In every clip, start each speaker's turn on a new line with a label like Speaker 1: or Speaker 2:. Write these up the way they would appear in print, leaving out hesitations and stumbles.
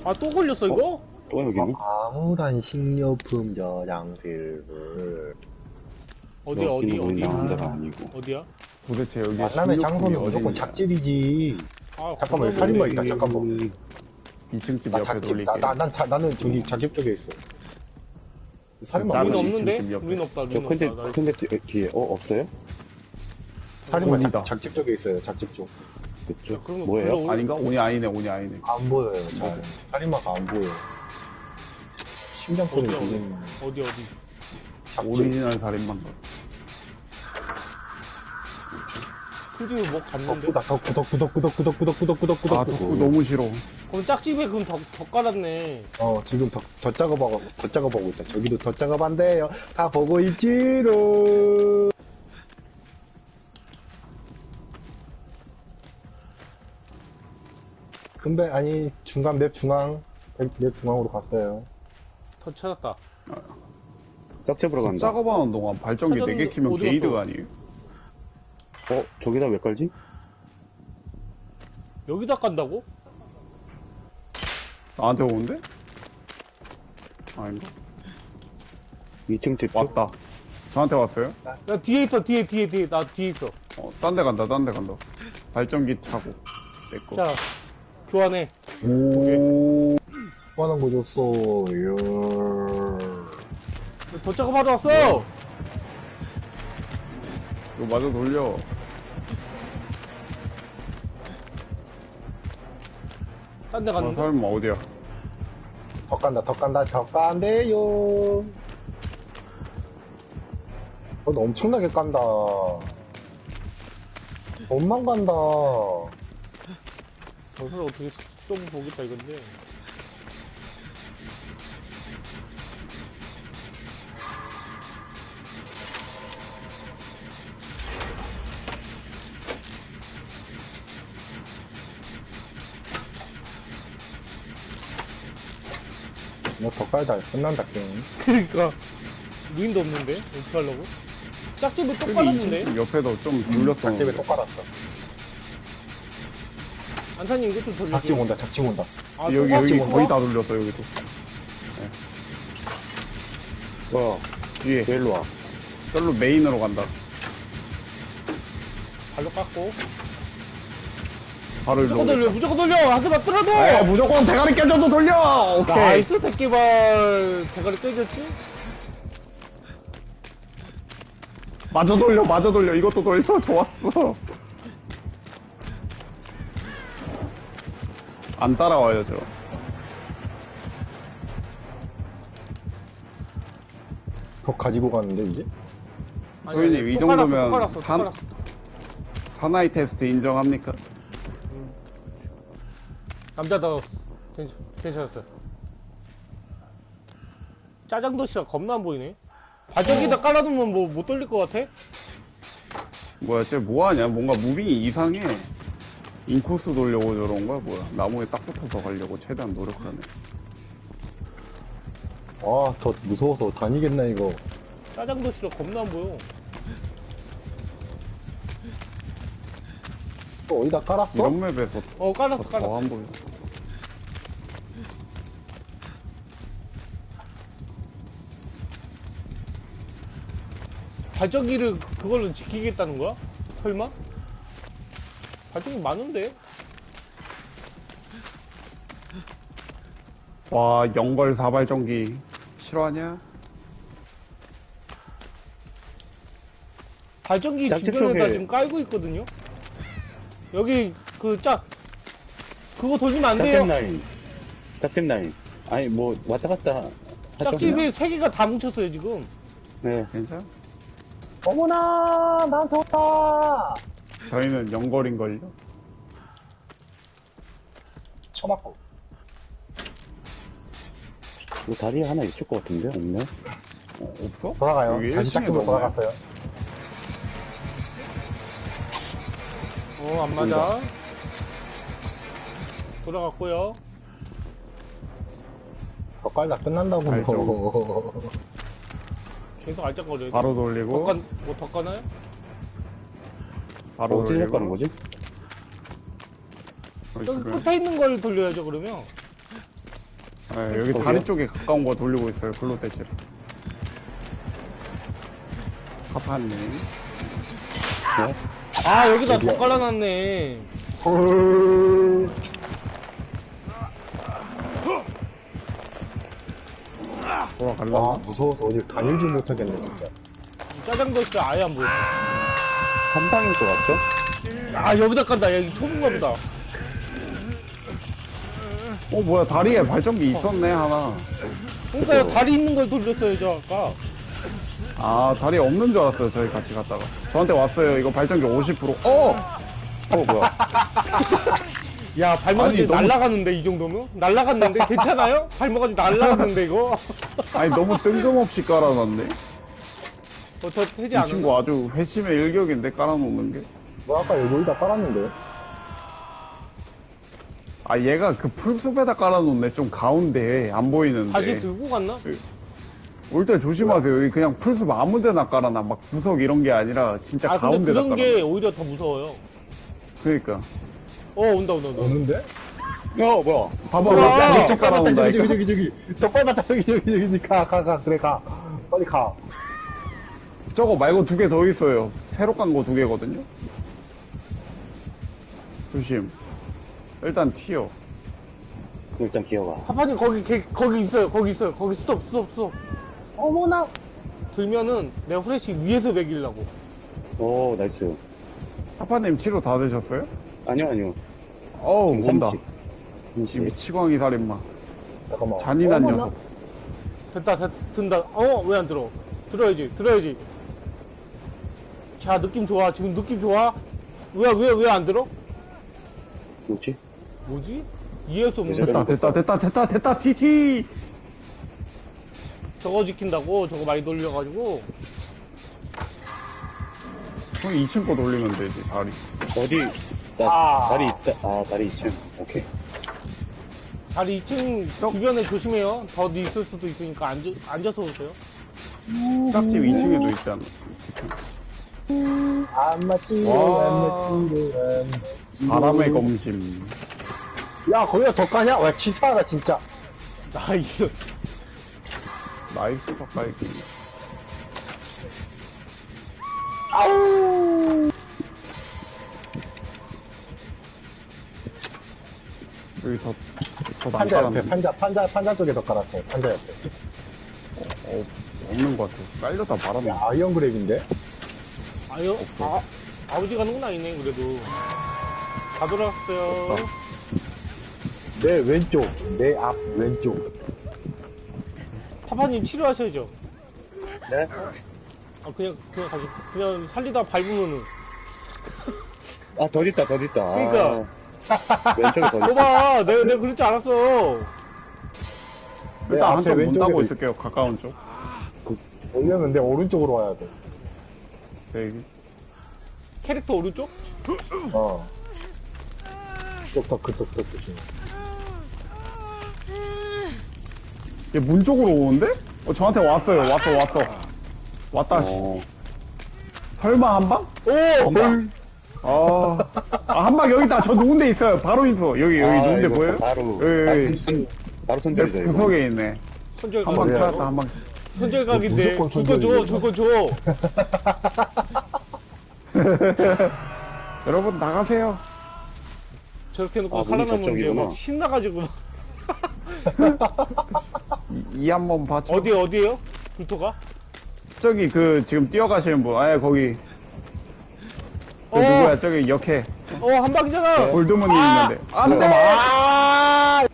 Speaker 1: 아, 또 걸렸어, 이거?
Speaker 2: 또 여기니?
Speaker 3: 아무런 식료품 저장실을
Speaker 1: 어디?
Speaker 2: 여기는 나온 데가 아니고.
Speaker 1: 어디야?
Speaker 4: 도대체 여기
Speaker 3: 만남의 장소는 무조건 작집이지.
Speaker 1: 아,
Speaker 3: 잠깐만, 여기 살인마 있다, 잠깐만.
Speaker 4: 2층 집
Speaker 3: 나
Speaker 4: 옆에
Speaker 3: 작집,
Speaker 4: 돌릴게.
Speaker 3: 나는 저기 작집 쪽에 있어. 살인마
Speaker 4: 나는
Speaker 1: 우린
Speaker 3: 어디?
Speaker 1: 없는데?
Speaker 4: 지금 옆에.
Speaker 1: 우린 없다,
Speaker 2: 저
Speaker 1: 우린
Speaker 2: 큰데,
Speaker 1: 없다.
Speaker 2: 큰데 뒤에, 없어요?
Speaker 3: 살인마
Speaker 4: 어디다?
Speaker 3: 작집 쪽에 있어요, 작집 쪽.
Speaker 2: 그쪽?
Speaker 1: 그럼
Speaker 2: 뭐예요?
Speaker 1: 불러올-
Speaker 4: 아닌가? 온이 아니네, 온이 아니네.
Speaker 3: 안 보여요, 잘. 살인마가 안 보여. 심장 소리
Speaker 1: 어디야,
Speaker 3: 들리는
Speaker 1: 어디?
Speaker 3: 작집.
Speaker 4: 오리지널 살인마인가?
Speaker 1: 그 집에 뭐 갔는데?
Speaker 4: 아, 덕후 너무 싫어.
Speaker 1: 그럼 짝집에 그럼 더 깔았네.
Speaker 3: 지금 더 작업하고 있다. 저기도 더 작업한대요. 다 보고 있지로. 근데, 아니, 중간 맵 중앙으로 갔어요.
Speaker 1: 더 찾았다.
Speaker 2: 짝집으로 간다.
Speaker 4: 작업하는 동안 발전기
Speaker 1: 사장님
Speaker 4: 4개 키면
Speaker 1: 어디
Speaker 4: 게이드가
Speaker 1: 갔어?
Speaker 4: 아니에요?
Speaker 2: 저기다 왜 깔지?
Speaker 1: 여기다 깐다고?
Speaker 4: 나한테 오는데? 아닌가?
Speaker 2: 2층 집 쪽?
Speaker 4: 왔다. 저한테 왔어요?
Speaker 1: 야, 뒤에 있어, 뒤에. 나 뒤에 있어.
Speaker 4: 딴 데 간다. 발전기 차고. 내꺼.
Speaker 1: 자, 교환해.
Speaker 4: 오.
Speaker 3: 화난 거 줬어.
Speaker 1: 더 작업하러 왔어!
Speaker 4: 이거 마저 돌려.
Speaker 1: 딴 데
Speaker 4: 아,
Speaker 1: 갔는데?
Speaker 4: 설마 어디야?
Speaker 3: 더 깐대요. 엄청나게 깐다. 엄만 간다.
Speaker 1: 저걸 어떻게 좀 보겠다, 이건데.
Speaker 3: 더 깔다. 끝난다, 게임.
Speaker 1: 그니까. 루인도 없는데? 어떻게 하려고? 짝집에 또
Speaker 4: 여기
Speaker 1: 깔았는데?
Speaker 4: 2층 옆에도 좀
Speaker 3: 작집에
Speaker 4: 눌렸었는데.
Speaker 3: 또 깔았어.
Speaker 1: 안사님 이것도 돌려줘.
Speaker 3: 작집 온다.
Speaker 1: 아, 또
Speaker 4: 여기
Speaker 1: 짝집
Speaker 4: 거의
Speaker 1: 온다?
Speaker 4: 다 눌렸어, 여기도.
Speaker 2: 뒤에. 왜 일로 와?
Speaker 4: 별로 메인으로 간다.
Speaker 1: 발로 깎고.
Speaker 4: 바로 일로
Speaker 1: 무조건 돌려,
Speaker 4: 오겠다.
Speaker 1: 무조건 돌려! 하지마, 뚫어도!
Speaker 4: 무조건 대가리 깨져도 돌려! 오케이.
Speaker 1: 나이스, 대기발. 대가리 깨졌지?
Speaker 4: 마저 돌려. 이것도 돌려. 좋았어. 안 따라와요, 저.
Speaker 3: 더 가지고 가는데, 이제?
Speaker 4: 소희님, 이
Speaker 1: 또
Speaker 4: 정도면
Speaker 1: 깔았어, 또 깔았어.
Speaker 4: 사나이 테스트 인정합니까?
Speaker 1: 남자다. 괜찮았어. 짜장도시락 겁나 안 보이네. 발전기다 깔아두면 뭐 못 돌릴 것 같아?
Speaker 4: 뭐야, 쟤 뭐하냐? 뭔가 무빙이 이상해. 인코스 돌려고 저런 거야, 뭐야. 나무에 딱 붙어서 가려고 최대한 노력하네.
Speaker 3: 더 무서워서 다니겠나, 이거.
Speaker 1: 짜장도시락 겁나 안 보여.
Speaker 3: 또 어디다 깔았어?
Speaker 4: 이런 맵에서
Speaker 1: 깔았어.
Speaker 4: 더 안 보여.
Speaker 1: 발전기를 그걸로 지키겠다는 거야? 설마? 발전기 많은데?
Speaker 4: 와, 영걸 사발전기. 싫어하냐?
Speaker 1: 발전기
Speaker 2: 짝집
Speaker 1: 주변에다
Speaker 2: 쪽에-
Speaker 1: 지금 깔고 있거든요? 여기 그거 돌리면 안 돼요.
Speaker 2: 짝집 라인. 아니, 뭐, 왔다 갔다.
Speaker 1: 짝집에 3개가 다 뭉쳤어요 지금.
Speaker 2: 네.
Speaker 4: 괜찮아?
Speaker 3: 어머나, 나한테 왔다!
Speaker 4: 저희는 영걸인걸요?
Speaker 3: 쳐맞고.
Speaker 2: 뭐 다리에 하나 있을 것 같은데? 없네?
Speaker 4: 없어?
Speaker 3: 돌아가요.
Speaker 4: 여기
Speaker 3: 다시
Speaker 4: 1층에
Speaker 3: 짝집으로 돌아갔어요.
Speaker 1: 안 맞아. 돌아갔고요.
Speaker 3: 더 깔다 끝난다고.
Speaker 4: 알죠.
Speaker 1: 계속 알짝거려요.
Speaker 4: 바로 돌리고,
Speaker 1: 더 까나요?
Speaker 4: 바로
Speaker 2: 어디서
Speaker 4: 돌리고.
Speaker 2: 가는 거지?
Speaker 4: 거기
Speaker 1: 여기
Speaker 4: 주변.
Speaker 1: 끝에 있는 걸 돌려야죠 그러면.
Speaker 4: 네, 여기
Speaker 2: 거기요?
Speaker 4: 다리 쪽에 가까운 거 돌리고 있어요. 글로 떼지를. 파파님.
Speaker 2: 네?
Speaker 1: 아, 여기다 더 깔아놨네.
Speaker 3: 헐.
Speaker 4: 돌아갈라?
Speaker 3: 와, 무서워서 어디 다니지 못하겠네, 진짜.
Speaker 1: 짜장도 있어, 아예 안 보여.
Speaker 2: 한 방인 것 같죠?
Speaker 1: 아, 여기다 깐다. 여기 좁은가 보다.
Speaker 4: 뭐야, 다리에 발전기 있었네, 하나.
Speaker 1: 그러니까 다리 있는 걸 돌렸어요, 저 아까.
Speaker 4: 아, 다리 없는 줄 알았어요, 저희 같이 갔다가. 저한테 왔어요, 이거 발전기 50%.
Speaker 2: 뭐야.
Speaker 1: 야, 발목까지
Speaker 4: 아니, 너무-
Speaker 1: 날라갔는데, 이 정도면? 날라갔는데? 괜찮아요? 발목까지 날라갔는데, 이거?
Speaker 4: 아니, 너무 뜬금없이 깔아놨네.
Speaker 1: 저 해지
Speaker 4: 이
Speaker 1: 않았나?
Speaker 4: 친구 아주 회심의 일격인데, 깔아놓는 게.
Speaker 3: 뭐 아까 여기다 깔았는데.
Speaker 4: 아, 얘가 그 풀숲에다 깔아놓네, 좀 가운데. 안 보이는데.
Speaker 1: 다시 들고 갔나?
Speaker 4: 올 때 조심하세요. 여기 그냥 풀숲 아무 데나 깔아놔. 막 구석 이런 게 아니라, 진짜
Speaker 1: 아, 근데
Speaker 4: 가운데다
Speaker 1: 그런
Speaker 4: 깔아놔.
Speaker 1: 게 오히려 더 무서워요.
Speaker 4: 그러니까.
Speaker 1: 온다.
Speaker 3: 오는데?
Speaker 2: 뭐야.
Speaker 4: 봐봐,
Speaker 1: 우와.
Speaker 4: 막 이렇게
Speaker 3: 더 빨갛다,
Speaker 4: 깔아놓는다.
Speaker 3: 저기. 더 빨갛다, 저기. 가. 그래, 가. 빨리 가.
Speaker 4: 저거 말고 2개 더 있어요. 새로 깐 거 2개거든요. 조심. 일단 튀어.
Speaker 2: 일단 기어가.
Speaker 1: 파파님, 거기 있어요. 거기 스톱.
Speaker 3: 어머나.
Speaker 1: 들면은, 내가 후레쉬 위에서 매기려고.
Speaker 2: 오, 나이스.
Speaker 4: 파파님 치료 다 되셨어요?
Speaker 2: 아니요.
Speaker 4: 어우, 온다.
Speaker 2: 30.
Speaker 4: 이 미치광이 살인마.
Speaker 3: 잠깐만.
Speaker 4: 잔인한
Speaker 3: 어머나.
Speaker 4: 녀석.
Speaker 1: 됐다, 든다. 왜 안 들어? 들어야지. 자, 느낌 좋아. 지금 느낌 좋아? 왜 안 들어?
Speaker 2: 뭐지?
Speaker 1: 뭐지? 이해할 수 없는데?
Speaker 4: 됐다, TT!
Speaker 1: 저거 지킨다고? 저거 많이 돌려가지고.
Speaker 4: 형 2층 거 돌리면 되지, 다리.
Speaker 2: 어디?
Speaker 3: 아.
Speaker 2: 다리 있다. 다리 2층. 오케이.
Speaker 1: 다리 2층 주변에 조심해요. 더 있을 수도 있으니까 앉아서 오세요.
Speaker 4: 짝집 2층에도 있지 않나?
Speaker 3: 안 맞지,
Speaker 4: 와.
Speaker 3: 안 맞지.
Speaker 4: 바람의 검심.
Speaker 3: 야, 거기가 더 까냐? 와, 치사하다, 진짜.
Speaker 1: 나이스.
Speaker 4: 나이스 덕깔기.
Speaker 3: 아우!
Speaker 4: 여기 더
Speaker 3: 판자 옆에,
Speaker 4: 난감한데.
Speaker 3: 판자 쪽에 더 깔았어요. 판자 옆에.
Speaker 4: 없는 것 같아. 깔려다 말았네.
Speaker 3: 야, 아이언 그랩인데?
Speaker 1: 아버지 가는 건 아니네, 그래도. 다 돌아왔어요.
Speaker 4: 없다.
Speaker 3: 내 왼쪽, 내 앞 왼쪽.
Speaker 1: 파파님 치료하셔야죠.
Speaker 2: 네?
Speaker 1: 그냥 살리다 밟으면은.
Speaker 2: 더 있다.
Speaker 1: 그러니까.
Speaker 2: 왼쪽에 더 있다.
Speaker 1: 봐봐, 내가 그렇지 않았어.
Speaker 3: 내
Speaker 4: 일단
Speaker 3: 앞에
Speaker 4: 한쪽 문
Speaker 3: 왼쪽에도
Speaker 4: 따고
Speaker 3: 있어.
Speaker 4: 있을게요. 가까운 쪽.
Speaker 3: 올렸는데 오른쪽으로 와야 돼.
Speaker 4: 대기.
Speaker 1: 캐릭터 오른쪽?
Speaker 3: 그쪽 조심.
Speaker 4: 얘 문 쪽으로 오는데? 저한테 왔어요. 왔다. 씨. 설마 한 방? 한 방 여기 있다. 저 누군데 있어요. 바로 있어. 여기 누군데
Speaker 2: 이거
Speaker 4: 보여요?
Speaker 2: 바로.
Speaker 4: 여기.
Speaker 2: 바로
Speaker 4: 내
Speaker 2: 손절이죠, 이거.
Speaker 4: 구석에 있네. 한 방 찾았다. 한 방.
Speaker 1: 손절각인데.
Speaker 3: 무조건
Speaker 1: 줄 거 줘.
Speaker 4: 여러분 나가세요.
Speaker 1: 저렇게 놓고
Speaker 2: 문이
Speaker 1: 살아남는 게
Speaker 2: 저쪽이구나.
Speaker 1: 막 신나가지고. 막.
Speaker 4: 이 한번 봐줘.
Speaker 1: 어디에요? 불토가?
Speaker 4: 저기 지금 뛰어가시는 분. 거기.
Speaker 1: 어.
Speaker 4: 누구야? 저기 역해.
Speaker 1: 한 방이잖아.
Speaker 4: 골드문이 있는데. 안 돼!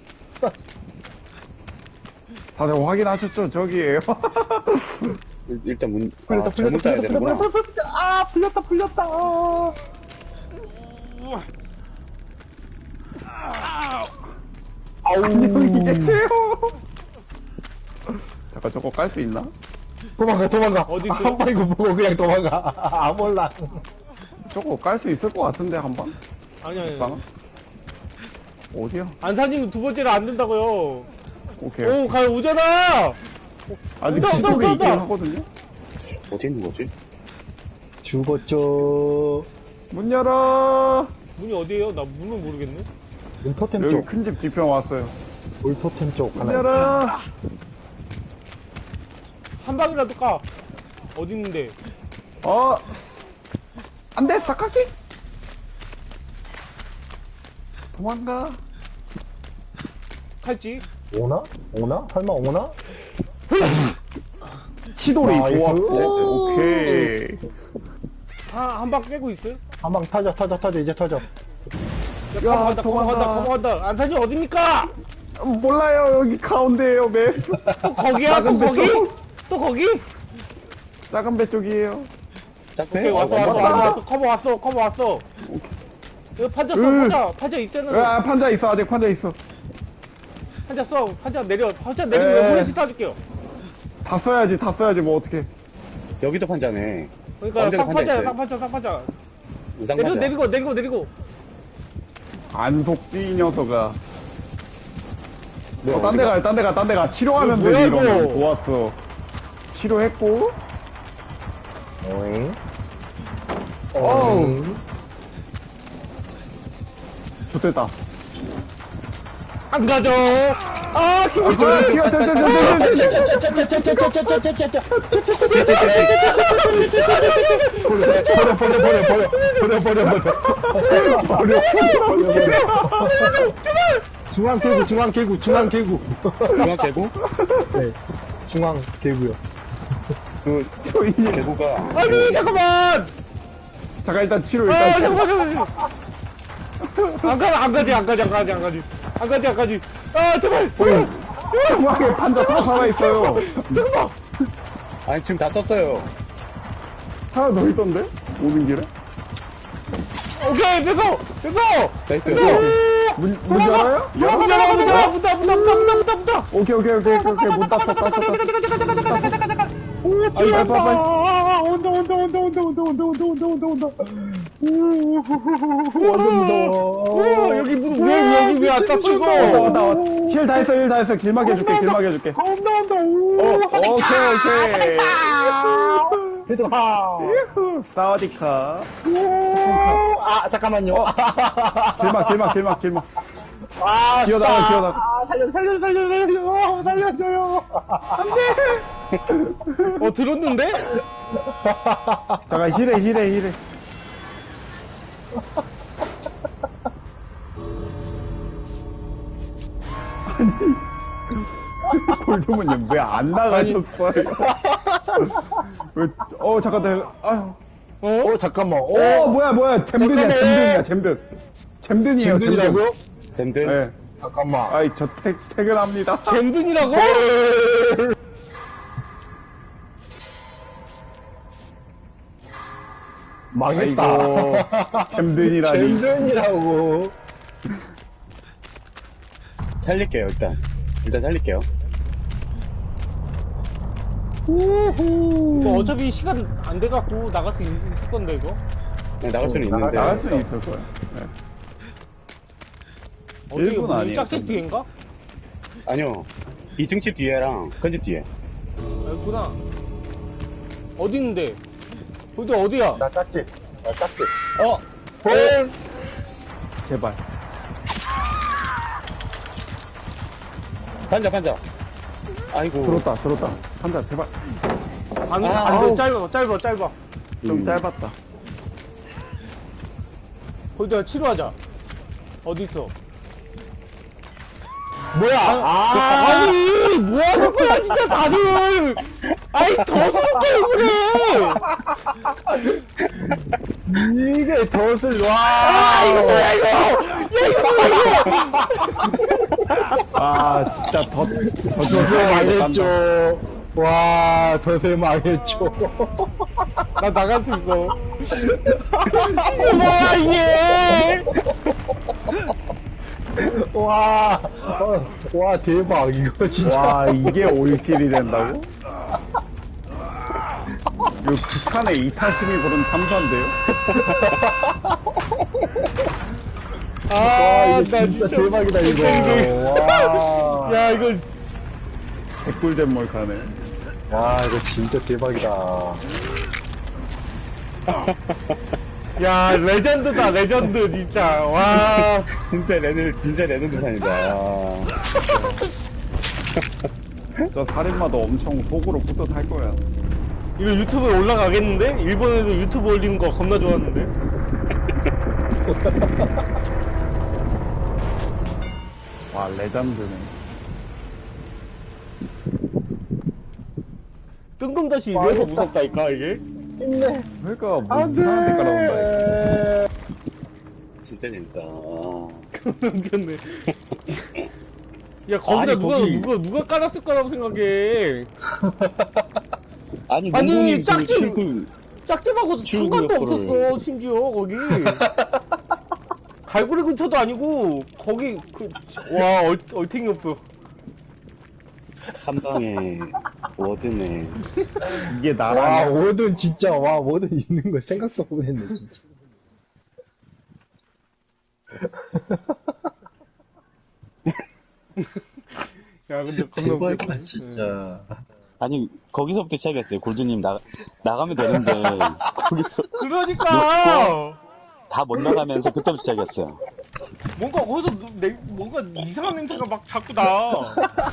Speaker 4: 다들 확인하셨죠? 저기에요.
Speaker 2: 일단 문,
Speaker 3: 풀렸다.
Speaker 2: 잘못 따야 되는구나.
Speaker 3: 풀렸다.
Speaker 4: 안녕히 계세요. 잠깐 저거 깔 수 있나?
Speaker 3: 도망가.
Speaker 1: 어디 있어요?
Speaker 3: 한 방이고 보고 그냥 도망가. 몰라.
Speaker 4: 저거 깔 수 있을 것 같은데 한 방?
Speaker 1: 아니.
Speaker 4: 방? 어디야?
Speaker 1: 안사님 두 번째는 안 된다고요.
Speaker 4: 오케이.
Speaker 1: 오잖아!
Speaker 4: 아직
Speaker 1: 온다,
Speaker 4: 기술이
Speaker 1: 온다,
Speaker 4: 있긴
Speaker 1: 온다.
Speaker 4: 하거든요.
Speaker 2: 어디 있는 거지?
Speaker 3: 죽었죠.
Speaker 4: 문 열어.
Speaker 1: 문이 어디에요? 나 문은 모르겠네.
Speaker 3: 눈 토템
Speaker 4: 여기
Speaker 3: 쪽.
Speaker 4: 큰 집 뒤편 왔어요.
Speaker 3: 올토템 쪽 하나.
Speaker 4: 열어.
Speaker 1: 한 방이라도 까. 어디 있는데?
Speaker 4: 안 돼, 사카키! 도망가.
Speaker 1: 칼지?
Speaker 3: 오나? 오나? 설마 오나?
Speaker 4: 치돌이
Speaker 3: 나이스.
Speaker 4: 좋았고. 오케이.
Speaker 1: 한 방 깨고 있어요?
Speaker 3: 한 방 터져, 이제 터져.
Speaker 1: 야, 커버간다,
Speaker 4: 도망가.
Speaker 1: 커버간다. 안타님 어딥니까?
Speaker 4: 몰라요, 여기 가운데에요, 맵.
Speaker 1: 또 거기야? 또
Speaker 4: 작은 배
Speaker 1: 거기?
Speaker 4: 쪽.
Speaker 1: 또 거기?
Speaker 4: 작은 배 쪽이에요.
Speaker 1: 오케이,
Speaker 2: 네,
Speaker 1: 왔어. 커버 왔어. 이거 판자 써, 판자 있잖아.
Speaker 4: 판자 있어, 아직 판자 있어.
Speaker 1: 판자 써, 판자 내리면
Speaker 4: 에.
Speaker 1: 후레쉬 쏴줄게요.
Speaker 4: 다 써야지, 뭐 어떡해.
Speaker 2: 여기도 판자네.
Speaker 1: 그러니까
Speaker 2: 언제나 판자
Speaker 1: 쌍판자.
Speaker 2: 있어요. 우상 판자.
Speaker 1: 내리고.
Speaker 4: 안 속지, 이 녀석아.
Speaker 2: 네,
Speaker 4: 딴 데 가. 치료하면
Speaker 1: 이거
Speaker 4: 되지,
Speaker 1: 뭐야,
Speaker 4: 이러면.
Speaker 1: 이거?
Speaker 4: 좋았어. 치료했고.
Speaker 3: 오잉.
Speaker 4: 어우. 좋됐다.
Speaker 1: 안 가죠. 아, 기분 좋아.
Speaker 3: 중앙 개구.
Speaker 2: 중앙 개구?
Speaker 3: 네. 중앙 개구요.
Speaker 2: 그
Speaker 4: 소인이.
Speaker 2: 개구가
Speaker 1: 아니, 잠깐만.
Speaker 4: 잠깐, 일단 치료,
Speaker 1: 아,
Speaker 4: 일단.
Speaker 1: 잠깐만. 안 가지. 아, 제발.
Speaker 4: 중앙에 판자 다 살아있어요.
Speaker 1: 잠깐만.
Speaker 2: 아니 지금 다 썼어요.
Speaker 4: 하나 더 있던데? 오는 길에?
Speaker 1: 오케이, 뺏어.
Speaker 2: 나이스.
Speaker 4: 문 열어요?
Speaker 1: 문다.
Speaker 4: 오케이. 문 땄어. 빨리.
Speaker 3: 완전 무서워.
Speaker 1: 여기 여기 왜 안 땄어, 이거?
Speaker 4: 왔다. 힐 다 했어. 길막해 줄게. 오케이.
Speaker 3: 얘들아.
Speaker 4: 유후, 사와디카.
Speaker 3: 아, 잠깐만요.
Speaker 4: 길막.
Speaker 3: 아,
Speaker 4: 기어나가.
Speaker 3: 아, 살려줘요.
Speaker 1: 들었는데?
Speaker 4: 잠깐, 힐해. 골드문님 왜 안 나가셨어요? 잠깐, 아유.
Speaker 3: 잠깐만.
Speaker 4: 뭐야, 잼든이에요,
Speaker 3: 잼든이라고요?
Speaker 2: 밴드.
Speaker 4: 네.
Speaker 3: 잠깐만.
Speaker 4: 아이, 저 퇴근합니다.
Speaker 1: 잼든이라고?
Speaker 3: 망했다.
Speaker 4: 아이고, 잼든이라니.
Speaker 3: 잼든이라고.
Speaker 2: 살릴게요 일단 살릴게요.
Speaker 1: 이거 어차피 시간 안 돼갖고 나갈 수 있을 건데, 이거?
Speaker 2: 네, 나갈 수는 있는데.
Speaker 4: 나갈 수는 있을 거야. 네.
Speaker 1: 어디,
Speaker 4: 일본 아니에요,
Speaker 1: 짝집 뒤인가?
Speaker 2: 아니요. 2층 집 뒤에랑 큰 집 뒤에.
Speaker 1: 여기구나. 어디 있는데? 거기 어디야?
Speaker 3: 나 짝집.
Speaker 4: 제발.
Speaker 2: 판자. 아이고.
Speaker 4: 들었다. 한자, 제발.
Speaker 1: 안
Speaker 2: 아우.
Speaker 1: 돼, 짧아.
Speaker 4: 좀 짧았다.
Speaker 1: 거기다 치료하자. 어디 있어?
Speaker 3: 뭐야?
Speaker 1: 아니, 뭐 하는 거야, 진짜 다들! 아니, 더 숨겨요, 그래!
Speaker 3: 이게 덫을
Speaker 1: 이거 뭐야, 이거!
Speaker 4: 아, 진짜
Speaker 3: 덫을 망했죠. 와, 덫을 망했죠.
Speaker 1: 나 나갈 수 있어. 이게 뭐야, 이게!
Speaker 3: 와, 와, 대박. 이거 진짜.
Speaker 4: 와, 이게 올킬이 된다고? 이거 북한의 이타심이 부른 참사인데요?
Speaker 3: 와, 이거 진짜 대박이다, 이거. 와.
Speaker 1: 야, 이거.
Speaker 4: 개꿀잼 몰카네.
Speaker 3: 와, 이거 진짜 대박이다.
Speaker 1: 야, 레전드다, 레전드, 진짜. 와.
Speaker 2: 진짜 레전드 산이다.
Speaker 4: 저 살인마도 엄청 속으로 뿌듯할 거야.
Speaker 1: 이거 유튜브에 올라가겠는데? 일본에도 유튜브 올리는 거 겁나 좋아하는데?
Speaker 4: 와, 레전드네.
Speaker 1: 뜬금다시 이래서 무섭다니까, 이게?
Speaker 4: 그러니까, 뭐, 이상한 데 깔아놓는다.
Speaker 2: 진짜 재밌다.
Speaker 1: 웃겼네. 야, 거기다
Speaker 2: 아니, 거기-
Speaker 1: 누가 깔았을 거라고 생각해.
Speaker 2: 아니,
Speaker 1: 아니,
Speaker 2: 농구님 그
Speaker 1: 짝집-
Speaker 2: 친구,
Speaker 1: 짝집하고
Speaker 2: 지우개
Speaker 1: 상관도
Speaker 2: 옆으로.
Speaker 1: 없었어, 심지어, 거기. 갈고리 근처도 아니고, 거기, 와, 얼탱이 없어.
Speaker 2: 한 방에, 워든에.
Speaker 4: 이게
Speaker 3: 와,
Speaker 4: 나라냐?
Speaker 3: 워든 진짜, 와, 워든 있는 거 생각도 못 했네, 진짜.
Speaker 1: 야, 근데 겁나 웃겼다.
Speaker 3: 대박이다, 진짜.
Speaker 2: 아니, 거기서부터 시작했어요. 골드님 나가면 되는데, 거기서
Speaker 1: 그러니까!
Speaker 2: 다 못 나가면서 그때부터 시작했어요.
Speaker 1: 뭔가 거기서 뭔가 이상한 냄새가 막 자꾸 나.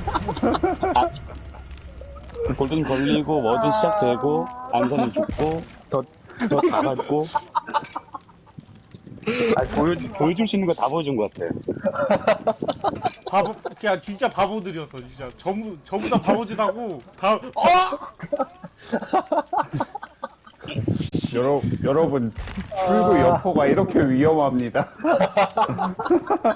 Speaker 2: 골든 걸리고, 워든 시작되고, 안선이 죽고, 더 다 밟고. 아니, 보여줄 수 있는 거 다 보여준 것 같아.
Speaker 1: 바보, 그냥 진짜 바보들이었어, 진짜. 전부 다 바보짓하고, 다,
Speaker 4: 여러분, 출구 여포가 이렇게 위험합니다.